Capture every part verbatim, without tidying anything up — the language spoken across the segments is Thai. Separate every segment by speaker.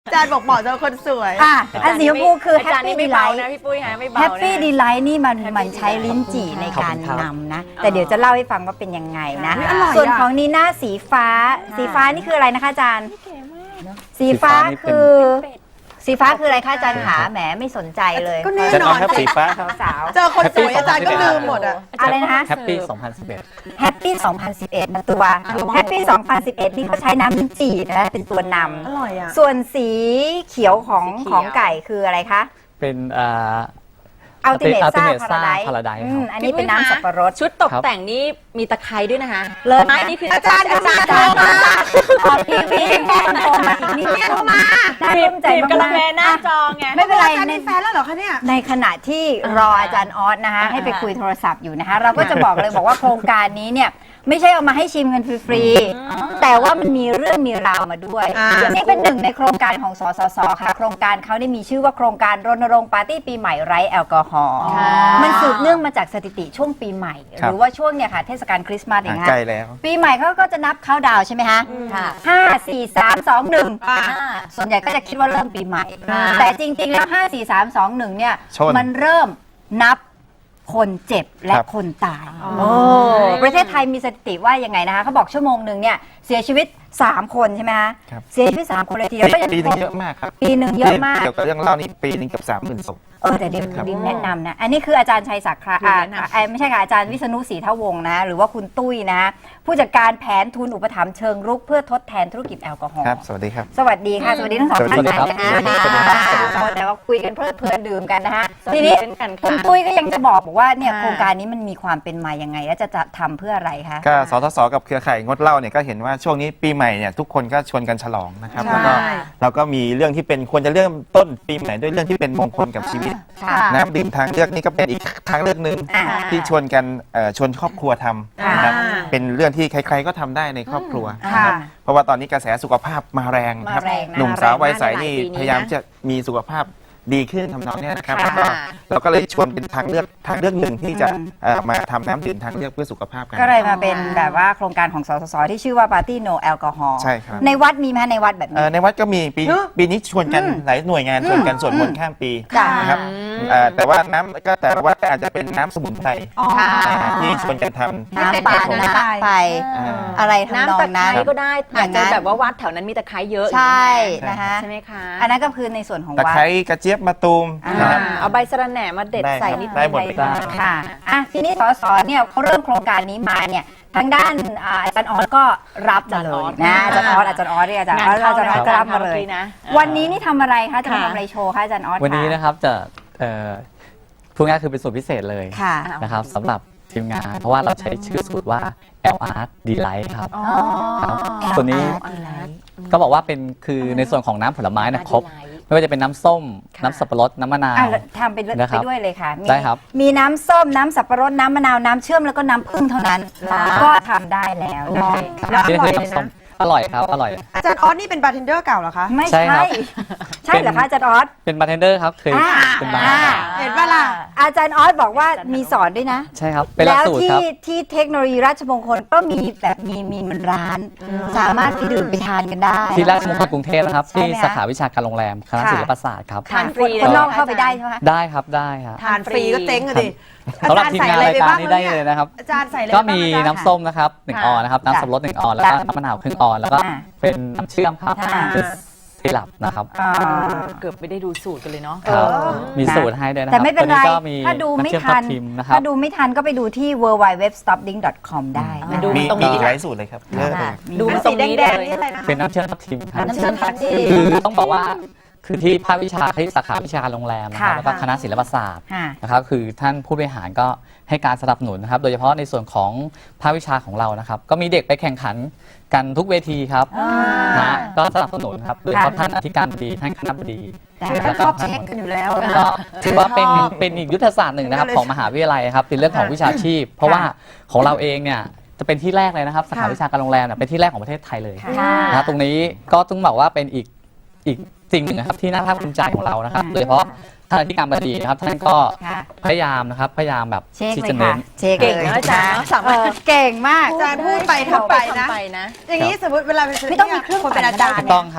Speaker 1: อาจารย์บอกเหมาะสำหรับคนสวย
Speaker 2: อ่ะอันสีชมพูคือแฮป
Speaker 3: อาจารย์
Speaker 2: ปี้
Speaker 3: นี่
Speaker 2: ดี
Speaker 3: ไม่
Speaker 2: ไล
Speaker 3: เบา
Speaker 2: ท์
Speaker 3: นะพี่ปุ้ยฮะไม่เบา
Speaker 2: แฮปปี้
Speaker 3: นะ
Speaker 2: ดีไลท์นี่มัน
Speaker 3: Happy
Speaker 2: มันใช้ลิ้นจี่ในการ
Speaker 4: ขอบคุณครับ
Speaker 2: นำนะ แต่เดี๋ยวจะเล่าให้ฟังว่าเป็นยังไงนะ
Speaker 1: อุ๊ยอร่อยอะ
Speaker 2: ส่วนของนีน่าสีฟ้า สีฟ้านี่คืออะไรนะคะอาจารย์ สีฟ้าคือ สีฟ้าคืออะไรคะอาจารย์ขาแหมไม่สนใจเลย
Speaker 1: ก็แน่
Speaker 4: จะ
Speaker 1: น
Speaker 4: น้
Speaker 1: อ
Speaker 4: อน งครับสีฟ้าครับ
Speaker 2: สาว
Speaker 1: เจอคนสวยอาจารย์ก็ลืมหมดอ่ะ
Speaker 2: อะไรนะคะ
Speaker 4: แฮปปี้สองพันสิบเอ็ด
Speaker 2: แฮปปี้สองพันสิบเอ็ดนะตัวแฮปปี้สองพันสิบเอ็ดนี่เขาใช้น้ำลิ้นจี่นะเป็นตัวน
Speaker 1: อร่อยอ่ะ
Speaker 2: ำส่วนสีเขียวของของไก่คืออะไรคะ
Speaker 4: เป็นอ่า
Speaker 2: อัลติเมทซ่า
Speaker 4: Ultimate
Speaker 2: พาราได
Speaker 4: ซ่า Paradise ครับ
Speaker 2: อันนี้เป็นน้ำสับปะรด
Speaker 3: ชุดตกแต่งนี่มีตะไคร้ด้วยนะคะ
Speaker 2: เลิศนะ
Speaker 3: ไม้นี่คือ
Speaker 1: อาจารย์อาจารย์
Speaker 2: อาจารย์มาขอพี่พี่แค่คนโตมาอีกนิดเดียวมาน่า
Speaker 3: บี
Speaker 2: ร่
Speaker 3: บ
Speaker 2: วมใจ
Speaker 3: บีบกระ
Speaker 2: มาก
Speaker 3: แมหน้า
Speaker 2: ๆ
Speaker 3: จอไง
Speaker 2: ไม่เป็นไร
Speaker 1: อาจารย์
Speaker 2: ใน
Speaker 1: มีแฟนแล้วเหรอคะเนี่ย
Speaker 2: ในขณะที่รออาจารย์ออสนะคะ
Speaker 3: อ่า
Speaker 2: ให้ไปคุยโทรศัพท์อยู่นะคะ เราก็จะบอกเลยบอกว่าโครงการนี้เนี่ยไม่ใช่เอามาให้ชิมกันฟรีๆแต่ว่ามันมีเรื่องมีราวมาด้วย
Speaker 1: อ่า
Speaker 2: นี่เป็นหนึ่งในโครงการของสสสค่ะโครงการเขาได้มีชื่อว่าโครงการรณรงค์ปาร์ตี้ปีใหม่ไร้แอลกอฮอล์
Speaker 3: ค่ะ
Speaker 2: มันสืบเนื่องมาจากสถิติช่วงปีใหม่ ห
Speaker 4: ครับ
Speaker 2: รือว่าช่วงเนี่ยค่ะเทศกาลคริสต์มาสเอง
Speaker 4: ห่าง
Speaker 2: ค่ะ
Speaker 4: ใกล้แล้ว
Speaker 2: ปีใหม่เขาก็จะนับเข้าดาวน์ใช่ไหมคะ
Speaker 3: ค่ะ
Speaker 2: ห้าสี่สามสองหนึ่ง
Speaker 1: อ่า
Speaker 2: ส่วนใหญ่ก็จะคิดว่าเริ่มปีใหม่
Speaker 3: อ่า
Speaker 2: แต่จริงๆแล้วห้าสี่สามสองหนึ่งเนี่ย
Speaker 4: ชน
Speaker 2: มันเริ่มนับคนเจ็บและ
Speaker 4: ครับ
Speaker 2: คนตาย
Speaker 3: อ๋อ
Speaker 2: โอ้ประเทศไทยมีสถิติว่ายังไงนะคะเขาบอกชั่วโมงหนึ่งเนี่ยเสียชีวิตสามคนใช่ไหมคะ
Speaker 4: ครับ
Speaker 2: เสียชีวิตสามคนเลยทีเดียวก็ยัง
Speaker 4: ปีหนึงเยอะมากครับ
Speaker 2: ปีหนึ่งเยอะมาก
Speaker 4: เกี่ยวกับเรื่องเล่านี่ปีหนึงเกับสามหมื่นศพ
Speaker 2: เออแต่เดี๋ยว
Speaker 4: ครับ
Speaker 2: ดินแนะนำนะ อันนี้คืออาจารย์ชัยศักดิ์ค่ะอ่า
Speaker 3: แนะนำ
Speaker 2: อ่าไม่ใช่ค่ะอาจารย์วิษณุศรีทวงศ์นะหรือว่าคุณตุ้ยนะ ผู้จัดการแผนทุนอุปถัมภ์เชิงรุกเพื่อทดแทนธุรกิจแอลกอฮอล์
Speaker 4: ครับ สวัสดีครับ
Speaker 2: สวัสดีค่ะ สวัสดีทั้งสอง
Speaker 4: สวั
Speaker 2: ท่า
Speaker 4: ส
Speaker 2: น
Speaker 4: ดีครับ
Speaker 2: นะฮะ
Speaker 4: สวัสดีครับ
Speaker 2: อ่าแต่ว่าคุยกันเพลิดเพลินดื่มกันนะฮะ
Speaker 3: สวัส
Speaker 2: ที
Speaker 3: ดี
Speaker 2: นี้
Speaker 3: เช่นกัน
Speaker 2: คุ
Speaker 3: ค่ะ
Speaker 2: ณตุ้ยก็ยังจะบอกบอกว่าเนี่ย
Speaker 3: ค่ะ
Speaker 2: โครงการนี้มันมีความเป็นมายังไง และจะจะทำเพื่ออะไรคะ
Speaker 4: ก็สทศกับเครือข่ายงดเหล้าเนี่ยก็เห็นว่าช่วงนี้ปีใหม่เนี่ยทุกคนก็ชวนกันฉลองนะครับ
Speaker 1: ใช่
Speaker 4: แล้วก็เราก็มีเรื่องที่เป็นควรจะเริ่มต้นปีใหม่ด้วยเรื่องที่เป็นมงคลกับชีวิต
Speaker 2: ค่ะ
Speaker 4: น้ำดื่มทางเลือกนี่ก็เป็นอีกทางเลือกหนึ่ง
Speaker 2: อ่า
Speaker 4: ที่ชวนกันเอ่อชวนครอบครัวทำนะครับ
Speaker 1: อ่า
Speaker 4: เป็นเรื่องที่ใครๆก็ทำได้ในครอบครัว
Speaker 2: ค่ะ
Speaker 4: นะครับเพราะว่าตอนนี้กระแสสุขภาพมาแรงครับ
Speaker 2: มาแรงนะ
Speaker 4: หนุ่มสาววัยใสนี่
Speaker 3: มาแรงมากในหลายปีนี้นะ
Speaker 4: พยายามจะมีสุขภาพดีขึ้นทำนองเนี้ยนะครับ
Speaker 2: ค่ะ
Speaker 4: แล้วก็เราก็เลยชวนเป็นทางเลือกทางเลือกหนึ่งที่จะเอ่อมาทำน้ำดื่มทางเลือกเพื่อสุขภาพกัน
Speaker 2: ก็เลยมาเป็นแบบว่าโครงการของสสสที่ชื่อว่า Party No Alcohol
Speaker 4: ใช่ครับ
Speaker 2: ในวัดมีไหมคะในวัดแบบ
Speaker 4: เอ่
Speaker 2: นี้
Speaker 4: อในวัดก็มีปี
Speaker 1: เนอะ
Speaker 4: ปีนี้ชวนกัน
Speaker 2: อืม
Speaker 4: หลายหน่วยงานชวนกันสวดมนต์ข้ามปี
Speaker 2: จ้ะ
Speaker 4: นะครับเอ่อแต่ว่าน้ำก็แต่ละวัดก็อาจจะเป็นน้ำสมุนไพร
Speaker 1: อ๋อ
Speaker 4: นะฮะที่ชวนกันทำ
Speaker 2: น้ำป่าน้ำไป
Speaker 4: อ่า
Speaker 2: อะไรทำน
Speaker 3: น้ำ
Speaker 2: อง
Speaker 3: ตะไค
Speaker 2: นั้น
Speaker 3: ร้ก็ได้
Speaker 2: อ
Speaker 3: อาจ
Speaker 2: ย่าง
Speaker 3: จะ
Speaker 2: นั้น
Speaker 3: แบบว่าวัดแถวนั้นมีตะไคร้เยอะ
Speaker 2: ใช่
Speaker 4: ใช่
Speaker 2: นะคะ
Speaker 3: ใช่ไหมคะ
Speaker 2: อันนั้นก็คือในส่วนของ
Speaker 4: ตะ
Speaker 2: วัด
Speaker 4: ไคร้กระเจี๊ยบมะตูม
Speaker 2: อ่า
Speaker 4: นะครับ
Speaker 3: เอาใบสะระแหน่มาเด็ด
Speaker 4: ได้
Speaker 3: ใส่
Speaker 4: ครับ
Speaker 3: นิด
Speaker 4: ได้หมด
Speaker 3: นึง
Speaker 4: เลย
Speaker 2: ค่ะอ่ะทีนี้สสเนี่ยเขาเริ่มโครงการนี้มาเนี่ยทางด้านอ่าอาจารย์ออสก็รับมาเลยนะอาจารย์ออสอาจารย์ออสเรียกอาจารย์ออสอาจารย์ออสก็รับมาเลย
Speaker 3: นะ
Speaker 2: วันนี้นี่ทำอะไรคะจะมา
Speaker 3: ค่ะ
Speaker 2: ทำอะไรโชว์คะอาจารย์ออส
Speaker 4: วันนี้นะครับจะเอ่อพูดง่ายๆคือเป็นสูตรพิเศษเลย
Speaker 2: ค่ะ
Speaker 4: นะครับสำหรับทีมงาน เพราะว่าเราใช้ชื่อสูตรว่า แอล อาร์ Delight ครับ
Speaker 3: อ๋อ
Speaker 4: ครับตัวนี้
Speaker 3: อะไร
Speaker 4: ก็บอกว่าเป็นคือในส่วนของน้ำผลไม้เนะครบ ไม่ว่าจะเป็นน้ำส้ม
Speaker 3: ค่ะ
Speaker 4: น้ำสับปะรด น้ำมะนาว
Speaker 2: อ่ะทำไปด้วย
Speaker 4: นะครับ
Speaker 2: ไปด้วยเลยค่ะมี
Speaker 4: ได้ครับ
Speaker 2: มีน้ำส้มน้ำสับปะรดน้ำมะนาวน้ำเชื่อมแล้วก็น้ำผึ้งเท่านั้น ก็ทำได้แล้วนะคะ
Speaker 1: แล้วอ
Speaker 4: นี่
Speaker 1: ร่อ
Speaker 4: คื
Speaker 1: ย
Speaker 4: อ
Speaker 1: เลย
Speaker 4: น้ำส้ม
Speaker 1: นะ
Speaker 4: อร่อยครับ อร่อย
Speaker 1: อาจารย์ออสนี่เป็นบาร์เทนเดอร์เก่าเหรอคะ
Speaker 2: ไม่
Speaker 4: ใช่
Speaker 2: ใช่
Speaker 4: ครับ
Speaker 2: ใช่เหรอคะอาจารย์ออส
Speaker 4: เป็นบาร์เทนเดอร์ครับเคย
Speaker 2: อ่า
Speaker 4: เป็นบาร์
Speaker 2: อ่า
Speaker 1: เห็นปะล่ะ
Speaker 2: อาจารย์ออสบอกว่ามีสอนด้วยนะ
Speaker 4: ใช่ครับ เป็นหลัก
Speaker 2: แล้ว
Speaker 4: สูตร
Speaker 2: ที่
Speaker 4: ครับ
Speaker 2: ที่เทคโนโลยีราชมงคลก็มีแบบมีมีมันร้าน สามารถไปดื่มไปทานกันได้
Speaker 4: ที่ราชมงคลกรุงเทพนะครับ
Speaker 2: ใช่
Speaker 4: ที่
Speaker 2: ไหมคะ
Speaker 4: สาขาวิชาการโรงแรมคณะ
Speaker 2: ค่ะ
Speaker 4: ศิลปศาสตร์ครับ
Speaker 3: ทานฟรี
Speaker 2: คน
Speaker 3: เลย
Speaker 2: นอกเข้าไปได้ใช่ไหมคะ
Speaker 4: ได้ครับได้ครับ
Speaker 1: ทานฟรีก็เจ๊งอะดิอา
Speaker 4: สำหรับ
Speaker 1: จารย์
Speaker 4: ทีม
Speaker 1: ใส่
Speaker 4: งาน
Speaker 1: อะไร
Speaker 4: ราย
Speaker 1: ไป
Speaker 4: การ
Speaker 1: บ้าง
Speaker 4: นี้
Speaker 1: แล้ว
Speaker 4: ได้
Speaker 1: เนี่
Speaker 4: เลย ยนะครับ
Speaker 1: อาจารย์ใส่อะไร
Speaker 4: ก็
Speaker 1: บ้าง
Speaker 4: มี
Speaker 1: อาจารย์
Speaker 4: น้ำส้มนะครับหนึ่ง
Speaker 3: ค่ะ
Speaker 4: ออนนะครับน้ำสับปะรดหนึ่งออนแล้วก็
Speaker 2: จ้ะ
Speaker 4: น้ำมะนาวครึ่งออนแล้วก็
Speaker 2: อ่า
Speaker 4: เป็นน้ำเชื่อมครับ
Speaker 2: ค่ะ
Speaker 4: เป็นซีรัปนะครับ
Speaker 2: อ่า
Speaker 3: เกือบไม่ได้ดูสูตรกันเลยเนาะ
Speaker 4: ครับ
Speaker 2: เออ
Speaker 4: มีสูตรให้ด้วยนะค
Speaker 2: แต่
Speaker 4: รับ
Speaker 2: ไม่เป็นไร
Speaker 4: ตัวก็มี
Speaker 2: ถ้าดูไม่
Speaker 4: น้ำเชื่อ
Speaker 2: ทัน
Speaker 4: ทับทิมนะครับ
Speaker 2: ถ้าดูไม่ทันก็ไปดูที่ ดับเบิลยู ดับเบิลยู ดับเบิลยู ดอท สต็อปดิ้ง ดอท คอม ได้
Speaker 3: มา
Speaker 2: นะ
Speaker 3: ดู
Speaker 4: มี
Speaker 3: ตรง
Speaker 4: มี
Speaker 3: นี้
Speaker 4: อีก
Speaker 3: ดีก
Speaker 4: ห
Speaker 3: ว่า
Speaker 4: ลายสูตรเลยครับเยอะเลย
Speaker 3: ดู
Speaker 1: เป็น
Speaker 3: ตร
Speaker 1: สี
Speaker 3: ง
Speaker 1: แด
Speaker 3: นี้
Speaker 1: ง
Speaker 3: เล
Speaker 1: ๆ
Speaker 3: ย
Speaker 1: นี่อะไรนะ
Speaker 4: เป็นน้ำเชื่อมทับทิมครับ
Speaker 2: น้ำเชื่อมทับทิม
Speaker 4: คือต้องบอกว่าคือที่ภาควิชาที่สาขาวิชาโรงแรมนะครับ
Speaker 2: ค่ะ
Speaker 4: แล้วก็คณะศิลปศาสตร์
Speaker 2: ค่ะ
Speaker 4: นะครับคือท่านผู้บริหารก็ให้การสนับสนุนนะครับโดยเฉพาะในส่วนของภาควิชาของเรานะครับก็มีเด็กไปแข่งขันกันทุกเวทีครับ
Speaker 2: อ่า
Speaker 4: นะฮะก็สนับสนุนครับโดยเฉพาะท่านอธิการบดีท่านคณะบดี
Speaker 1: คือท่านชอบเช็คกันอยู่แล้วนะ
Speaker 4: ก็ถือว่าเป็นเป็นอีกยุทธศาสตร์หนึ่งนะครับของมหาวิทยาลัยครับเป็นเรื่องของวิชาชีพ เพราะว่าของเราเองเนี่ยจะเป็นที่แรกเลยนะครับสาขาวิชาการโรงแรมเนี่ยเป็นที่แรกของประเทศไทยเลย
Speaker 2: ค่ะ
Speaker 4: นะครับตรงนี้ก็ต้องบอกว่าเป็นอีกอีกสิ่งหนึ่งนะครับที่น่าภาคภูมิใจของเรานะครับโดยเฉพาะท่านอธิการบดีนะครับท่านก็
Speaker 2: ค่ะ
Speaker 4: พยายามนะครับพยายามแบบ
Speaker 2: เช็ค
Speaker 4: ที่
Speaker 2: เลย
Speaker 4: จะเน้
Speaker 2: ค่ะ
Speaker 4: น
Speaker 2: เช็ค
Speaker 3: เก่ง
Speaker 2: เลย
Speaker 3: นะอาจารย์เนอะสามารถ
Speaker 2: เออเก่งมาก
Speaker 1: อาจารย์พูดไปทำไปนะ
Speaker 3: ไปนะ
Speaker 1: อย่างนี้สมมติเวลาไปซื้อ
Speaker 2: ไม่ต้องมีเครื่อง
Speaker 1: คนเป็นอาจารย์
Speaker 4: ถูก
Speaker 1: เนี่
Speaker 4: ต้อย งครับ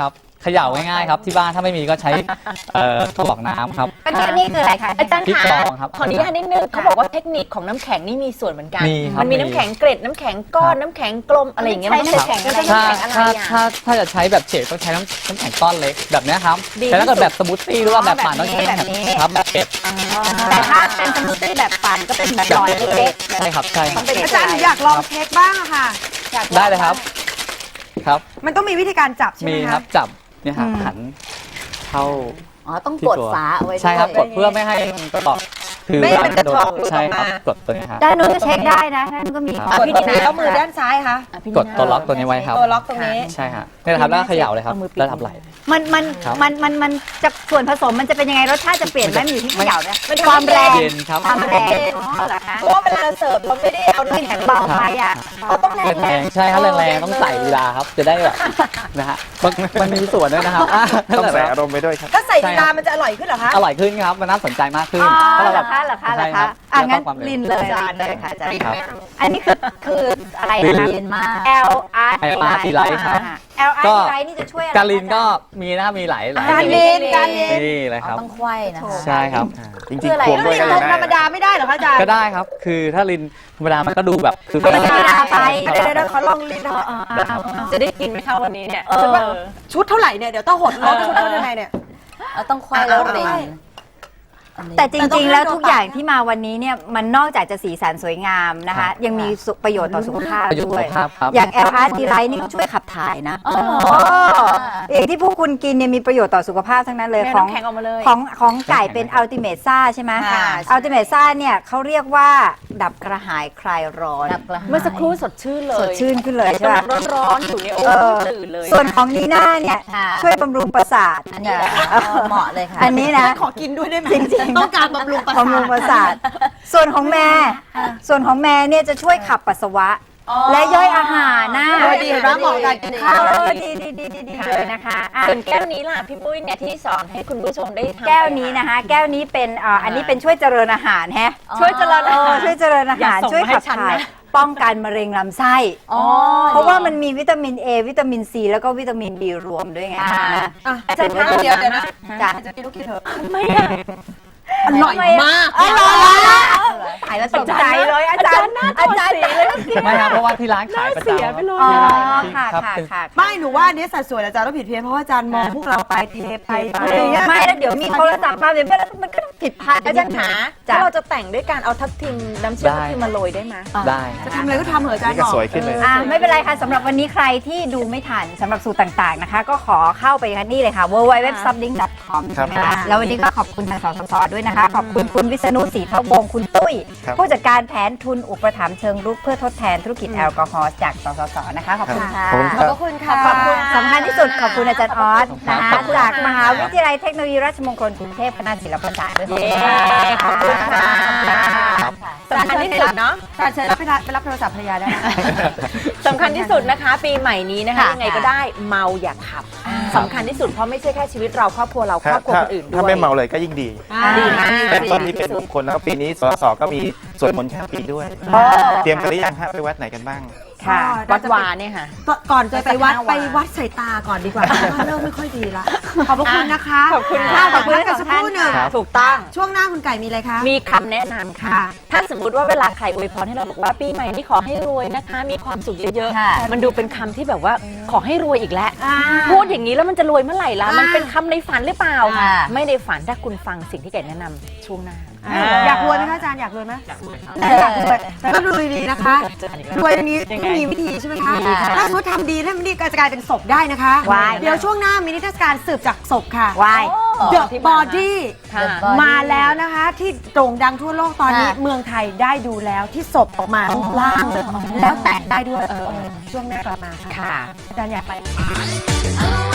Speaker 4: เขย่าง่ายๆครับที่บ้านถ้าไม่มีก็ใช้เอ่อกระบอกน้ำครับ
Speaker 2: อันนี้อันนี้คืออะไรคะ
Speaker 3: อาจารย์
Speaker 4: พริก
Speaker 3: คะ
Speaker 4: กรองครับ
Speaker 3: ขออนุญาตนิดนึงเขาบอกว่าเทคนิคของน้ำแข็งนี่มีส่วนเหมือนกัน
Speaker 4: มีครับ
Speaker 3: มันมี
Speaker 4: มี
Speaker 3: น้ำแข็งเกร็ดน้ำแข็งก้อนน้ำแข็งกลมอะไรอย่างเงี้ยมันต้องใช้แข็งอะไร
Speaker 4: ถ้า
Speaker 3: น้ำแข็งอะไร
Speaker 4: ถ้า
Speaker 3: อ่ะ
Speaker 4: ถ้าถ้าจะใช้แบบเฉดต้องใช้น้ำน้ำแข็งก้อนเล็กแบบเนี้ยครับ
Speaker 3: ดี
Speaker 4: แต่ถ้าเกิด
Speaker 3: ที่สุด
Speaker 4: แบบสมูทตี้หรือว่าแบบปั่นต้องใช้
Speaker 2: แบบนี้
Speaker 4: ครับแบบเก็บ
Speaker 2: แต่ถ้าเป็นสมูทตี้แบบปั่นก็เป็นแบบหลอดเล็กๆ
Speaker 4: ใช่ครับใช่ค
Speaker 2: ต้
Speaker 4: รั
Speaker 2: อบ งเป็น
Speaker 1: อาจารย์หนูอยากลองเค้กบ้างอะค่ะ
Speaker 4: ได้เลยครับครับ
Speaker 1: มันต้องมีวิธีการจับใช่ไห
Speaker 4: มี
Speaker 1: ม
Speaker 4: ครั
Speaker 1: คะ
Speaker 4: บจับเนี่ยครับหันเข้า
Speaker 2: อ๋อต้อง
Speaker 4: ที่
Speaker 2: กด
Speaker 4: ตัว
Speaker 2: ฝาเอาไว้ด้วย
Speaker 4: ใช่ครับกดเพื่อไม่ให้มันกระบอกคือ
Speaker 3: ไม่ให้มันกระ
Speaker 4: โด
Speaker 3: เทาะ
Speaker 4: ใช่ครับ
Speaker 3: ออกมา
Speaker 4: กดตัวนี้ครับ
Speaker 2: ด้านนู้นก็เช็คได้นะด้านนู้นก็มี
Speaker 1: อ่ะพี่ดีแล้วมือด้านซ้ายคะ
Speaker 3: อ่ะพี่
Speaker 4: กด
Speaker 3: นิา
Speaker 4: ตัวล็อกตัวนี้ไว้ครับ
Speaker 1: ตัวล็อกตรงนี้
Speaker 4: ใช่ฮะนี่แหละครับแล้วก็เขย่าเลยครับ
Speaker 3: เอามือปิด
Speaker 4: แล้วทับไหล
Speaker 2: มันมัน
Speaker 4: ครับ
Speaker 2: มันมันมันจะส่วนผสมมันจะเป็นยังไงรสชาติจะเปลี่ยนไหมมันอยู่ที่เขย่าเนี่ย
Speaker 3: มันทำให้
Speaker 2: ความแรง
Speaker 4: เย็นครับ
Speaker 2: ความแรงอ๋อเหรอคะ
Speaker 3: เพราะว่าเวลาเสิร์ฟเราไม่ได้เอาน้ำแข็ง
Speaker 2: เบาไปอ่ะ
Speaker 3: เราต้องแรง
Speaker 4: แรงๆใช่ครับแรงๆต้องใส่เวลาครับ จะได้แบบนะฮะมันมันมีส่วนด้วยนะครับอ่ะ
Speaker 5: ต้องใส่
Speaker 4: นั่นแหละค
Speaker 5: อา
Speaker 4: รับ
Speaker 5: รมณ์ไปด้วยครับ
Speaker 1: ถ้าใส่ลีลามันจะอร่อยขึ้นเหรอคะ
Speaker 4: อร่อยขึ้นครับมันน่าสนใจมากขึ้น
Speaker 2: อ๋อ
Speaker 4: ถ้าเรา
Speaker 2: เหร
Speaker 4: แบ
Speaker 2: อบ คะเหรอคะเหรอ
Speaker 4: ใช่ค
Speaker 2: คะ
Speaker 4: รับ
Speaker 2: อ่ะงั้น
Speaker 4: แล้วก็ความเร็ว
Speaker 2: ลินเลยลินเลยค่ะอาจารย์
Speaker 4: ครับ
Speaker 2: อันนี้คือคืออะไรนะคะ
Speaker 4: ลิน
Speaker 2: L R
Speaker 4: L R T Light ครับ
Speaker 2: L R
Speaker 4: ก็
Speaker 2: T Light นี่จะช่วยอะไร
Speaker 4: การลินก็มีนะครับมีหลายหลาย
Speaker 1: การลินการลิน
Speaker 4: นี่เลยครับ
Speaker 2: ต้องควายนะคะ
Speaker 4: ใช่ครับ
Speaker 5: จริง
Speaker 2: คืออะไร
Speaker 5: ๆควง
Speaker 1: แล้ว
Speaker 5: ด้วย
Speaker 1: ลิน
Speaker 5: ก็
Speaker 1: น
Speaker 5: ยัง
Speaker 1: มธรรม
Speaker 5: ได้
Speaker 1: ดาไม่ได้เหรอคะอาจารย์
Speaker 4: ก็ได้ครับ คือถ้าลินธรรมดามันก็ดูแบบคือ
Speaker 2: ธรรมดาไป
Speaker 1: เดี๋ยวเดี๋ยวขอลองลิน
Speaker 3: จะได้กินไหมคะวันนี้เนี่ย
Speaker 1: ฉันว่าชุดเท่าไหร่เนี่ยเดี๋ยวต้องหดลดชุดเท่าไหร่เนี่ย
Speaker 2: เราต้องควายแล้วรินแต่จริง ๆ แล้วทุกอย่างที่มาวันนี้เนี่ยมันนอกจากจะสีสันสวยงามนะคะ ยังมีสุประโยชน์ต่อสุขภาพ
Speaker 4: ประโยชน์
Speaker 2: ด้
Speaker 4: สุ
Speaker 2: วย
Speaker 4: ขภาพครับ
Speaker 2: อย่าง L R T Light นี่ก็ช่วยขับถ่ายนะอย่างที่พวกคุณกินเนี่ยมีประโยชน์ต่อสุขภาพทั้งนั้นเลย
Speaker 3: แม่
Speaker 2: ของ
Speaker 3: น้ำแข็งออกมาเลย
Speaker 2: ของของไก่เป็นอัลติเม e ซ่าใช่ไหม
Speaker 3: ค่ะ
Speaker 2: อัลติเม e ซ่าเนี่ยเขาเรียกว่าดับกระหายคลายร้อน
Speaker 3: เมื่อสักครู่สดชื่นเลย
Speaker 2: สดชื่นขึ้นเลยใช่ไหม
Speaker 3: ร้อนร้อนๆอยู่เนี่ยโอ้
Speaker 2: เออ
Speaker 3: ตื่นเลย
Speaker 2: ส่วนของนีน่าเนี่ยช่วยบำรุงประสาทอันนี้เหมาะเลยค่ะอันนี้นะ
Speaker 1: ขอกินด้วยได้ไหม
Speaker 2: จริงๆ
Speaker 1: ต้องการบำรุงประสาท
Speaker 2: บำรุงประสาท ส่วนของแม่ ส่วนของแม่เนี่ยจะช่วยขับปัสสาวะ และย่อยอาหารนะ
Speaker 1: เออดีเห็นไหมเหมาะกับการกินข้าว
Speaker 2: เออดีดีดีดีดีเลยนะคะอ่ะ
Speaker 3: ส่วนแก้วนี้ล่ะพี่ปุ้ยเนี่ยที่สอนให้คุณผู้ชมได้ทำ
Speaker 2: แก้วนี้นะคะ แก้วนี้เป็นอ่าอันนี้เป็นช่วยเจริญอาหารแฮะ
Speaker 3: ช่วยเจริญอาหาร
Speaker 2: เออช่วยเจริญอา
Speaker 3: อย่า
Speaker 2: หาร
Speaker 3: ส่ง
Speaker 2: ช่วย
Speaker 3: มาให้
Speaker 2: ขับ
Speaker 3: ฉัน
Speaker 2: ถ่าย
Speaker 3: นะ
Speaker 2: ป้องกันมะเร็งลำไส้
Speaker 3: อ๋อ
Speaker 2: เพราะว่ามันมีวิตามิน A วิตามิน C แล้วก็วิตามิน B รวมด้วยไง
Speaker 3: อ่า
Speaker 1: อ่ะอาจารย์คะเดี๋ยวเดี๋ยวนะ
Speaker 2: จ้ะ
Speaker 1: อาจารย์กินลูกกินเถอะ
Speaker 3: ไม่อะ
Speaker 1: อร่อยมาก
Speaker 2: อร่อยขายแล้วตกใจเลยอาจารย์อาจารย์เลย
Speaker 4: ไม่ครับเพราะว่าที่ร้านขายประจำ
Speaker 2: อ๋อ
Speaker 4: ที่
Speaker 2: ค่ะ
Speaker 4: ครับ
Speaker 2: ค่ะ
Speaker 4: เป็น
Speaker 2: ค่ะ
Speaker 1: ไม่หนูว่าอันนี้สัดส่วนอาจารย์ต้องผิดเพี้ยนเพราะว่าอาจารย์มองพวกเราไปเทไปอะไรอย่างเงี้ย
Speaker 2: ไม่แล้วเดี๋ยวมีโทรศัพท์มาเดี๋ยวมันก็ผิดพลาด
Speaker 3: อาจารย์หา
Speaker 2: จ้ะ
Speaker 3: ถ้าเราจะแต่งด้วยการเอาทับทิมน้ำเชื่อม
Speaker 4: ได้
Speaker 3: ทับทิมมาโรยได้ไหม
Speaker 4: ได้
Speaker 1: จะทำอะไรก็ทำเหอะอาจาร
Speaker 5: นี่
Speaker 1: ย์
Speaker 5: ก็
Speaker 1: บอก
Speaker 5: สวยขึ้นเลย
Speaker 2: อ่าไม่เป็นไรค่ะสำหรับวันนี้ใครที่ดูไม่ทันสำหรับสูตรต่างๆนะคะ ก็ขอเข้าไปกันนี่เลยค่ะ ดับเบิลยู ดับเบิลยู ดับเบิลยู ดอท ซับลิงก์ ดอท คอม
Speaker 5: ครับ
Speaker 2: ใช่ไหมคะแล้ววันนี้ก็ขอบคุณทางสสสด้วยนะคะ ขอบคุณคุณวิษณุศรีพะวงศ์คุณตุ้ย
Speaker 5: ครับ
Speaker 2: ผู้จัดการแผนทุนอุปถัมภ์เชิงรุกเพื่อทดแทนธุรกิจแอลกอฮอล์จากสสสนะคะ ขอบคุณค่ะ
Speaker 5: ขอบคุณค
Speaker 1: ขอบ
Speaker 5: รับ
Speaker 1: พระคุณค่ะ
Speaker 2: ขอบคุณสำคัญที่สุดขอบคุณอาจารย์ออสนะคะ
Speaker 4: ขอบคุณค่ะ
Speaker 2: จากมหาวิทยาลัยเทคโนโลยีราชมงคลกรุงเทพคณะศิลปศาสตร์ด้วย
Speaker 3: เย้ขอบคุณค่ะ
Speaker 4: ครับ
Speaker 3: สำคัญที่สุดเนาะ
Speaker 1: อาจารย์เชิญไปรับไปรับโทรศัพท์ภรรยาได้นะ
Speaker 3: สำคัญที่สุดนะคะ ปีใหม่นี้นะคะ
Speaker 2: ค่ะ
Speaker 3: ยังไงก็ได้เมาอย่าขับสำคัญที่สุดเพราะไม่ใช่แค่ชีวิตเราครอบครัวเราค
Speaker 5: ถ้าร
Speaker 3: อบครัว
Speaker 5: ถ้า
Speaker 3: คนอื่นด้วย
Speaker 5: ถ้าไม่เมาเลยก็ยิ่งดี
Speaker 3: ดีมาก
Speaker 5: แต่ต้นนี้เป็นมงคลแล้วก็ปีนี้สสก็มีสวดมนต์ข้ามปีด้วย เตรียมกันหรือยังฮะไปวัดไหนกันบ้าง
Speaker 2: ค่ะ
Speaker 3: วัดวาเนี่ยค่ะ
Speaker 1: ก่อนจะไปวัด
Speaker 3: สักห้าวัน
Speaker 1: ไปวัดสายตาก่อนดีกว่าเพราะว่าเริ่มไม่ค่อยดีละขอบพระคุณนะคะ
Speaker 3: ขอบคุณ
Speaker 1: ค่ะ
Speaker 3: ค่ะ
Speaker 1: ขอบคุณกันสักครู่หนึ่ง
Speaker 4: ครับ
Speaker 3: ถูกต้อง
Speaker 1: ช่วงหน้าคุณไก่มีอะไรคะ
Speaker 3: มีคำแนะนำค่ะ
Speaker 1: ค่ะ
Speaker 3: ถ้าสมมติว่าเวลาใครอวยพรให้เราบอกว่าปีใหม่นี้ขอให้รวยนะคะ มีความสุขเยอะ
Speaker 2: ค่ะ
Speaker 3: ๆ มันดูเป็นคำที่แบบว่าขอให้รวยอีกแล้ว
Speaker 1: อ่า
Speaker 3: พูดอย่างนี้แล้วมันจะรวยเมื่อไหร่ล่ะ
Speaker 1: อ่ามั
Speaker 3: มันเป็นคำในฝันหรือเปล่า
Speaker 2: ค่ะ
Speaker 3: ไม่ได้ฝันถ้าคุณฟังสิ่งที่แกแนะนำช่วงหน้า
Speaker 1: อ่าอยากรวยไหมคะอาจารย์อยากรวยไหมอยากรวยอยากรวยแต่ต้องดูดีๆนะคะรวยนี้ต้องมีวิธีใช่ไหมคะถ้าสมมติทำดีถ้ามันดีก็จะกลายเป็นศพได้นะคะ
Speaker 2: วาย
Speaker 1: เดี๋ยวช่วงหน้ามีนิทรรศการสืบจากศพค่ะ
Speaker 2: วาย
Speaker 1: The
Speaker 3: ที่บ้าน
Speaker 1: Body
Speaker 3: ค่ะ
Speaker 1: มาแล้วนะคะ ที่โด่งดังทั่วโลกตอนนี้
Speaker 2: ค่ะ
Speaker 1: เมืองไทยได้ดูแล้วที่ศพออกมารูปร่างเลยแล้วแตกได้ด้วยช่วงหน้ากลับมาค่ะ
Speaker 3: ค่ะ
Speaker 1: อาจารย์อยากไป
Speaker 6: Oh